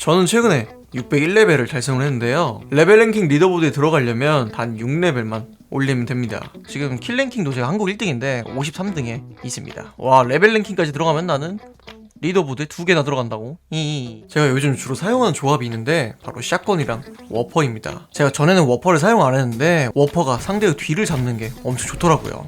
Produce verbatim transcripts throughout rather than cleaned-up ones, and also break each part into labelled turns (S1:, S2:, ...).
S1: 저는 최근에 육백일 레벨을 달성을 했는데요. 레벨 랭킹 리더보드에 들어가려면 단 육 레벨만 올리면 됩니다. 지금 킬 랭킹도 제가 한국 일 등인데 오십삼 등에 있습니다. 와, 레벨 랭킹까지 들어가면 나는 리더보드에 두 개나 들어간다고? 이 제가 요즘 주로 사용하는 조합이 있는데 바로 샷건이랑 워퍼입니다. 제가 전에는 워퍼를 사용 안 했는데 워퍼가 상대의 뒤를 잡는 게 엄청 좋더라고요.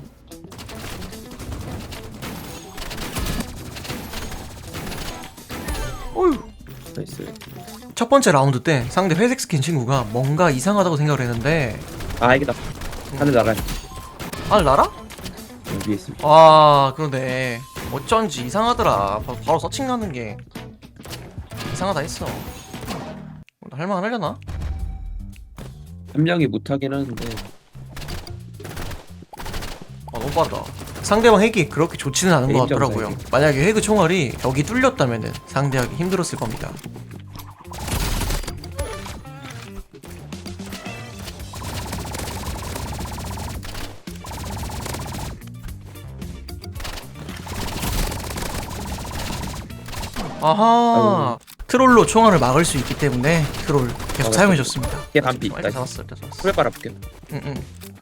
S1: 어휴.
S2: 나이스.
S1: 첫 번째 라운드 때 상대 회색 스킨 친구가 뭔가 이상하다고 생각을 했는데
S2: 아 이게다. 하늘 나가요.
S1: 아, 날아?
S2: 여기 위에 있습니다.
S1: 아, 그러네. 어쩐지 이상하더라. 바, 바로 서칭하는 게 이상하다 했어. 할만 하려나?
S2: 한 명이 못하긴 하는데.
S1: 아, 너무 빠르다. 상대방 핵이 그렇게 좋지는 않은 것
S2: 게임
S1: 같더라고요.
S2: 점수
S1: 만약에 핵의 총알이 벽이 뚫렸다면 상대하기 힘들었을 겁니다. 아하. 트롤로 총알을 막을 수 있기 때문에 트롤 계속
S2: 어,
S1: 사용해줬습니다.
S2: 걔 반피.
S1: 일단
S2: 나이스.
S1: 잡았어, 일단 잡았어.
S2: 풀 빨아볼게요.
S1: 응응.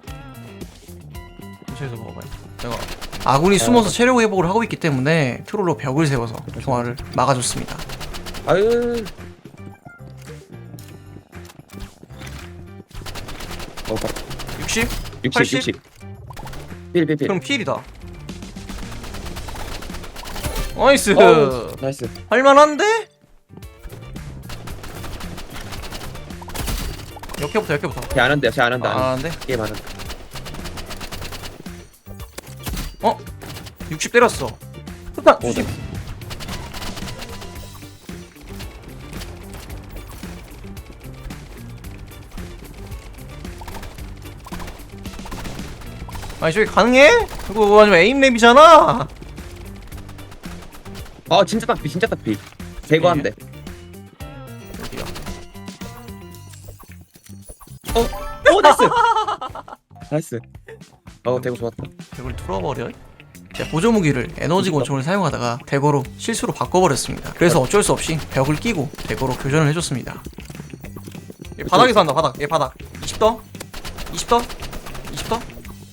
S1: 근처에서 먹어봐요. 내가 아군이 숨어서 체력 회복을 하고 있기 때문에 트롤로 벽을 세워서 총알을 막아줬습니다.
S2: 아유. 어, 봐.
S1: 육십?
S2: 육십,
S1: 팔십?
S2: 육십. 필, 필, 필.
S1: 그럼 필이다. 나이스.
S2: 어우, 나이스.
S1: 할만한데? 역해부터 역해부터.
S2: 걔안 한대요, 걔안 한다.
S1: 아,
S2: 안
S1: 안돼.
S2: 게임 안 한다.
S1: 어? 육십 때렸어. 일단
S2: 오,
S1: 주십. 아니 저기 가능해? 그거 아니면 에임랩이잖아.
S2: 아, 진짜 딱비, 진짜 딱비. 제거한대.
S1: 어디야?
S2: 어, 오, 나이스. 나이스. 어, 대고 좋았다.
S1: 벽을 뚫어버려. 제가 보조 무기를 에너지 권총을 사용하다가 대거로 실수로 바꿔버렸습니다. 그래서 어쩔 수 없이 벽을 끼고 대거로 교전을 해줬습니다. 얘 바닥에서 한다. 바닥. 얘 바닥. 이십 더. 이십 더. 이십 더.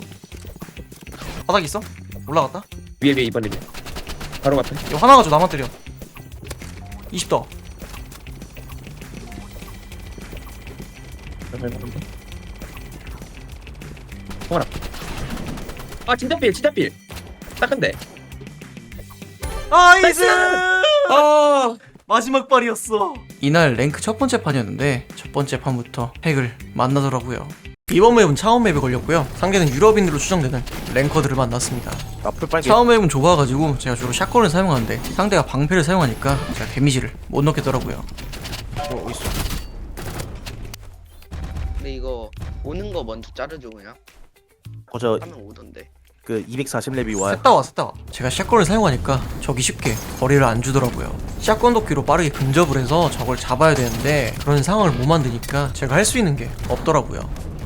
S1: 바닥 있어? 올라갔다.
S2: 위에 위에 이번 리뷰. 바로 갔다.
S1: 이거 하나 가지고 나만 때려. 이십 더.
S2: 통화라. 아, 진짜 필, 진짜 필. 딱한데.
S1: 나이스!
S2: 아,
S1: 마지막 발이었어. 이날 랭크 첫 번째 판이었는데 첫 번째 판부터 핵을 만나더라고요. 이번 맵은 차원 맵에 걸렸고요. 상대는 유럽인으로 추정되는 랭커들을 만났습니다.
S2: 아, 풀빨개.
S1: 차원 맵은 좁아가지고 제가 주로 샷건을 사용하는데 상대가 방패를 사용하니까 제가 데미지를 못 넣겠더라고요.
S2: 어, 어딨어?
S3: 근데 이거 오는 거 먼저 자르죠 그냥.
S4: 어저
S3: 하면 오던데.
S4: 그 이백사십 렙이 와요.
S1: 셋다 와 셋다 와. 제가 샷건을 사용하니까 적이 쉽게 거리를 안 주더라고요. 샷건 도끼로 빠르게 근접을 해서 적을 잡아야 되는데 그런 상황을 못 만드니까 제가 할 수 있는 게 없더라고요.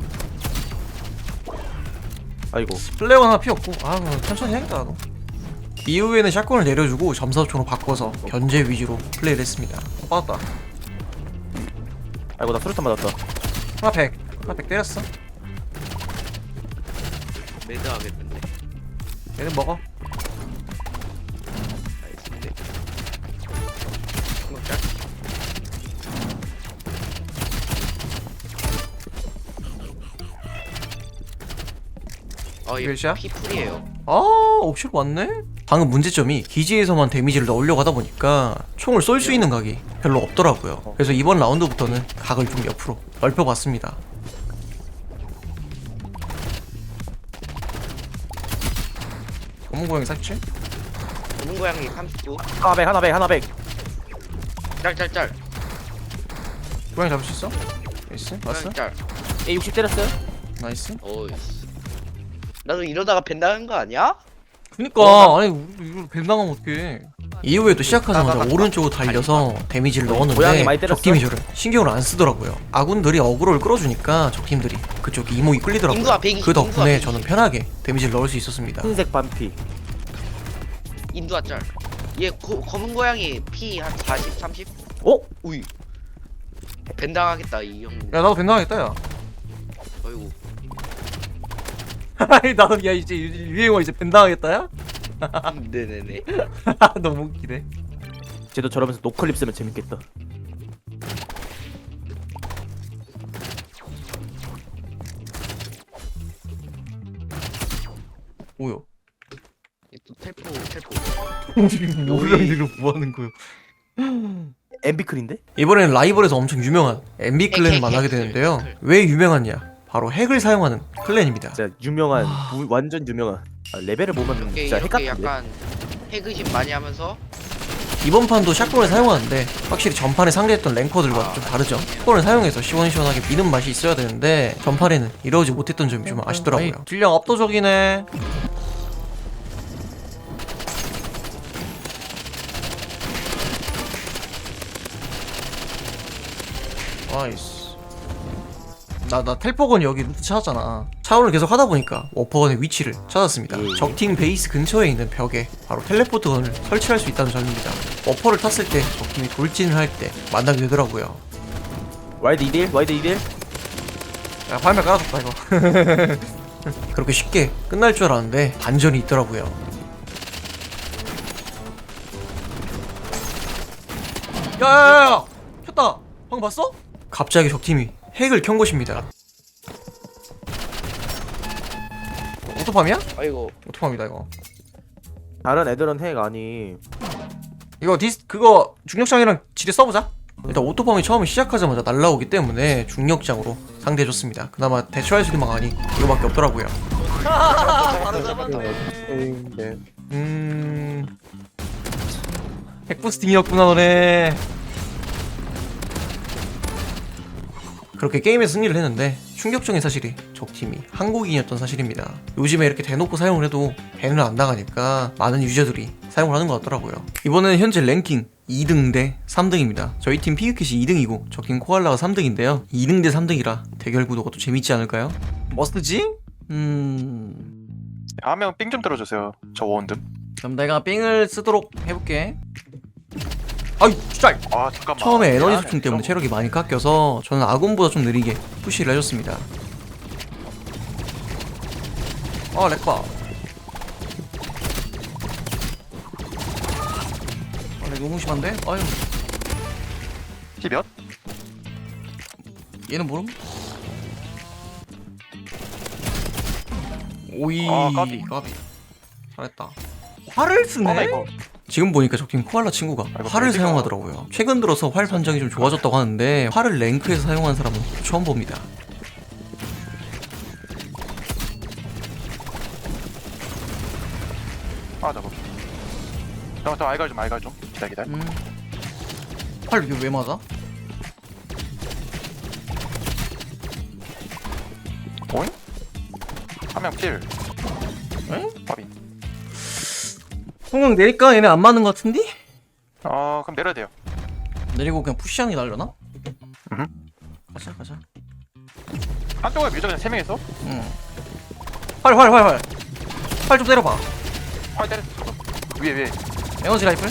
S4: 아이고
S1: 플레이어 하나 피었고 아 그럼 천천히 해야겠다 나도. 이후에는 샷건을 내려주고 점사총으로 바꿔서 견제 위주로 플레이를 했습니다. 어, 빠졌다.
S4: 아이고 나 수류탄 맞았다.
S1: 하나 백 하나 백 때렸어.
S3: 매드 하겠는데.
S1: 얘는 먹어.
S3: 나이스인데. 먹자. 어, 얘
S1: 몇
S3: 피풀이에요.
S1: 아 옵션 왔네? 방금 문제점이 기지에서만 데미지를 넣으려고 하다 보니까 총을 쏠 수 있는 각이 별로 없더라고요. 그래서 이번 라운드부터는 각을 좀 옆으로 넓혀봤습니다. 검은 고양이 삭제?
S3: 검은 고양이 삼십구.
S4: 하나 백 하나 백 하나 백.
S3: 짤짤짤.
S1: 고양이 잡을 수 있어? 나이스 왔어?
S3: 짤.
S4: A 육십 때렸어요?
S1: 나이스.
S3: 어이씨. 나도 이러다가 벤다는 거 아니야?
S1: 그니까 아니 우리 이거 뱀 당하면 어떡해. 이후에도 시작하자마자 오른쪽으로 달려서 데미지를
S4: 고양이
S1: 넣었는데
S4: 많이 때렸어?
S1: 적팀이 저를 신경을 안 쓰더라고요. 아군들이 어그로를 끌어주니까 적팀들이 그쪽 이목이 끌리더라고요.
S3: 인구가 백이십,
S1: 그 덕분에
S3: 인구가 백이십.
S1: 저는 편하게 데미지를 넣을 수 있었습니다.
S4: 흰색 반피.
S3: 인두아 짤. 얘 고, 검은 고양이 피 한 사십, 삼십?
S4: 어?
S3: 우이. 벤당하겠다 이 형.
S1: 야 나도 벤당하겠다 야.
S3: 어이구.
S1: 아니 나도 야 이제 유- 유행어 이제 벤당하겠다야?
S3: 네네네.
S1: 너무 웃기네.
S4: 쟤도 저러면서 노클립 쓰면 재밌겠다.
S1: 뭐야?
S3: 또 텔포 텔포.
S1: 뭐야 이거 뭐 하는 거요?
S4: 엠비클인데?
S1: 이번에는 라이벌에서 엄청 유명한 엠비 클랜을
S3: 핵,
S1: 만나게
S3: 핵,
S1: 되는데요.
S3: 핵.
S1: 왜 유명하냐? 바로 핵을 사용하는 클랜입니다.
S4: 진짜 유명한 무- 완전 유명한. 아, 레벨을 보면
S3: 이렇게
S4: 진짜 핵
S3: 이렇게
S4: 같은데.
S3: 약간 핵의심 많이 하면서
S1: 이번 판도 샷건을 사용하는데 확실히 전판에 상대했던 랭커들과 좀 다르죠. 샷건을 사용해서 시원시원하게 미는 맛이 있어야 되는데 전판에는 이러지 못했던 점이 좀 아쉽더라고요. 딜량 압도적이네. 나이스. 나, 나 텔포건 여기 루트 찾았잖아. 차원을 계속 하다 보니까 워퍼건의 위치를 찾았습니다.
S4: 예.
S1: 적팀 베이스 근처에 있는 벽에 바로 텔레포트건을 설치할 수 있다는 점입니다. 워퍼를 탔을 때 적팀이 돌진을 할 때 만나게 되더라고요.
S4: 와이드 이 대 일? 와이드 이 대 일?
S1: 야 발매 깔아줬다 이거. 그렇게 쉽게 끝날 줄 알았는데 반전이 있더라고요. 야야야야! 켰다! 방금 봤어? 갑자기 적팀이 핵을 켠 것입니다. 오토팜이야?
S3: 아이고.
S1: 오토팜이다 이거.
S4: 다른 애들은 핵 아니.
S1: 이거 디스 그거 중력장이랑 지뢰 써보자. 일단 오토팜이 처음에 시작하자마자 날라오기 때문에 중력장으로 상대해줬습니다. 그나마 대처할 수 있는 방안이 이거밖에 없더라고요. 음... 핵부스팅이었구나 너네. 그렇게 게임에서 승리를 했는데 충격적인 사실이 적팀이 한국인이었던 사실입니다. 요즘에 이렇게 대놓고 사용을 해도 밴을 안 나가니까 많은 유저들이 사용을 하는 것 같더라고요. 이번에는 현재 랭킹 이 등 대 삼 등입니다. 저희 팀 피규캣이 이 등이고 적팀 코알라가 삼 등인데요. 이 등 대 삼 등이라 대결 구도가 또 재밌지 않을까요? 뭐 쓰지? 음...
S5: 한 명 삥 좀 들어주세요. 저 원듬.
S1: 그럼 내가 삥을 쓰도록 해볼게. 아이 진짜
S5: 아 잠깐만.
S1: 처음에 에너지
S5: 미안해.
S1: 소충 때문에 체력이 많이 깎여서 저는 아군보다 좀 느리게 푸시를 해줬습니다. 아 렉바. 아 렉 너무 심한데? 아유
S5: 피 몇?
S1: 얘는 모름? 오이
S5: 아, 까비.
S1: 까비 잘했다. 활을 쓰네?
S5: 어, 나 이거
S1: 지금 보니까 적팀 코알라 친구가
S5: 이거
S1: 활을
S5: 벨트가-
S1: 사용하더라고요. 최근 들어서 활 판정이 좀 좋아졌다고 하는데 활을 랭크에서 사용하는 사람은 처음 봅니다.
S5: 아 저거. 잠깐 저 알갈 좀 알갈 좀. 기다 기다.
S1: 음. 활 이게 왜 맞아?
S5: 오잉? 한 명 필.
S1: 에?
S5: 밥이.
S1: 성공 내릴까? 얘네 안 맞는 것 같은데?
S5: 어 그럼 내려야 돼요.
S1: 내리고 그냥 푸시하는 게 날려나?
S5: 음흠.
S1: 가자 가자.
S5: 한쪽에 밀죠 그냥 세 명이서.
S1: 응. 활 활 활 활. 활 좀 때려봐.
S5: 활 때려. 위에 위에.
S1: 에너지 라이플.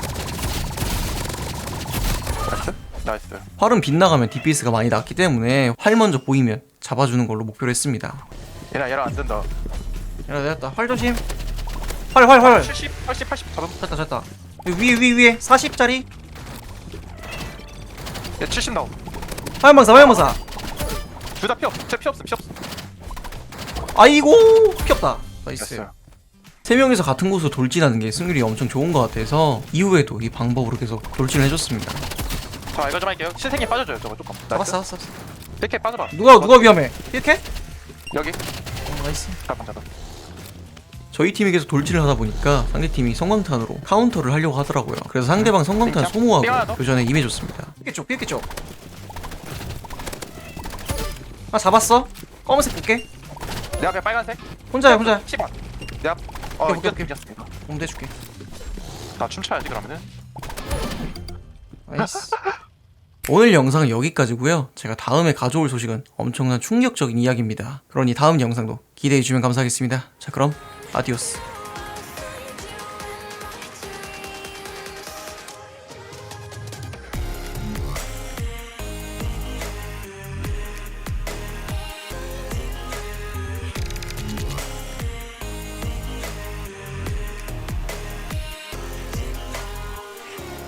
S5: 나이스. 나이스.
S1: 활은 빗나가면 디피에스가 많이 낮기 때문에 활 먼저 보이면 잡아주는 걸로 목표로 했습니다.
S5: 얘랑 얘랑 안 된다.
S1: 야 내렸다. 활 조심. 활 활 활.
S5: 칠십, 팔십, 팔십 잡음.
S1: 됐다 됐다. 여기 위에 위에 위에 사십짜리
S5: 얘 칠십 나옴.
S1: 화염방사 화염방사.
S5: 둘 다 피 없. 쟤피 없음 피 없음.
S1: 아이고 피 없다. 나이스.
S5: 됐어요.
S1: 세 명이서 같은 곳으로 돌진하는 게 승률이 엄청 좋은 것 같아서 이후에도 이 방법으로 계속 돌진을 해줬습니다.
S5: 저 알갈 좀 할게요. 신생이 빠져줘요 저거 조금.
S1: 잡았어 잡았어.
S5: 이렇게 빠져봐.
S1: 누가 누가 위험해? 이렇게?
S5: 여기.
S1: 어, 나이스.
S5: 잠깐 잠깐.
S1: 저희 팀이 계속 돌진을 하다 보니까 상대팀이 성광탄으로 카운터를 하려고 하더라고요. 그래서 상대방 성광탄
S5: 삥 하나
S1: 소모하고
S5: 더?
S1: 교전에 임해줬습니다. 삐겠죠 삐겠죠. 아 잡았어? 검은색 볼게.
S5: 내 앞에 빨간색.
S1: 혼자야 혼자야.
S5: 십 원. 내 앞. 어
S1: 오케이, 오케이,
S5: 이겼
S1: 오케이.
S5: 이겼습니다.
S1: 공 대줄게.
S5: 나 춤춰야지 그러면은.
S1: 나이스. 오늘 영상은 여기까지고요. 제가 다음에 가져올 소식은 엄청난 충격적인 이야기입니다. 그러니 다음 영상도 기대해주면 감사하겠습니다. 자 그럼 아디오스.